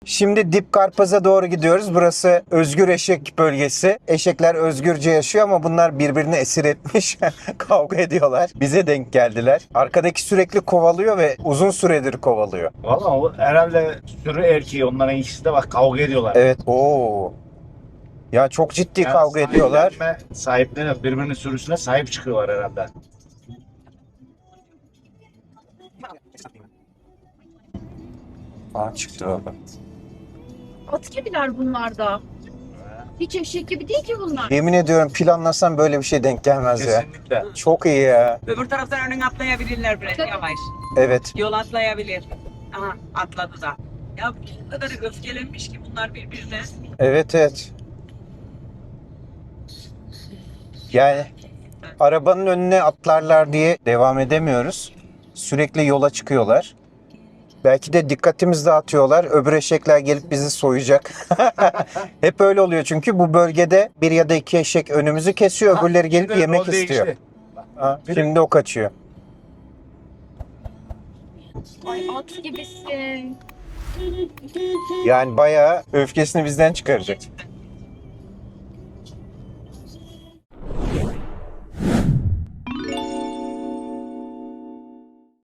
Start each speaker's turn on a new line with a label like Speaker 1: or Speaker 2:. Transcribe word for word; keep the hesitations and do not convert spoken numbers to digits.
Speaker 1: Şimdi Dip Karpaz'a doğru gidiyoruz. Burası özgür eşek bölgesi. Eşekler özgürce yaşıyor ama bunlar birbirini esir etmiş. Kavga ediyorlar. Bize denk geldiler. Arkadaki sürekli kovalıyor ve uzun süredir kovalıyor.
Speaker 2: Valla o herhalde sürü erkeği, onların ikisi de bak kavga ediyorlar.
Speaker 1: Evet. Oo. Ya çok ciddi
Speaker 2: Yani
Speaker 1: kavga ediyorlar.
Speaker 2: sahiplenme- Sahiplerine birbirinin sürüsüne sahip çıkıyorlar herhalde.
Speaker 1: Aa çıktı baba.
Speaker 3: At gibiler bunlar da. Hiç eşek gibi değil ki bunlar.
Speaker 1: Yemin ediyorum planlasam böyle bir şey denk gelmez ya.
Speaker 2: Kesinlikle.
Speaker 1: Çok iyi ya.
Speaker 4: Öbür taraftan önüne atlayabilirler biraz
Speaker 3: Tabii.
Speaker 4: yavaş.
Speaker 1: Evet.
Speaker 4: Yol atlayabilir. Aha atladı da. Ya bu kadar öfkelenmiş ki bunlar birbirine.
Speaker 1: Evet evet. Yani arabanın önüne atlarlar diye devam edemiyoruz. Sürekli yola çıkıyorlar. Belki de dikkatimizi dağıtıyorlar. Öbür eşekler gelip bizi soyacak. Hep öyle oluyor çünkü bu bölgede bir ya da iki eşek önümüzü kesiyor. Öbürleri gelip
Speaker 2: Şimdi
Speaker 1: yemek
Speaker 2: rol
Speaker 1: istiyor.
Speaker 2: değişti.
Speaker 1: Ha, şimdi o kaçıyor.
Speaker 3: Ay at gibisin.
Speaker 1: Yani bayağı öfkesini bizden çıkaracak.
Speaker 4: Gerçekten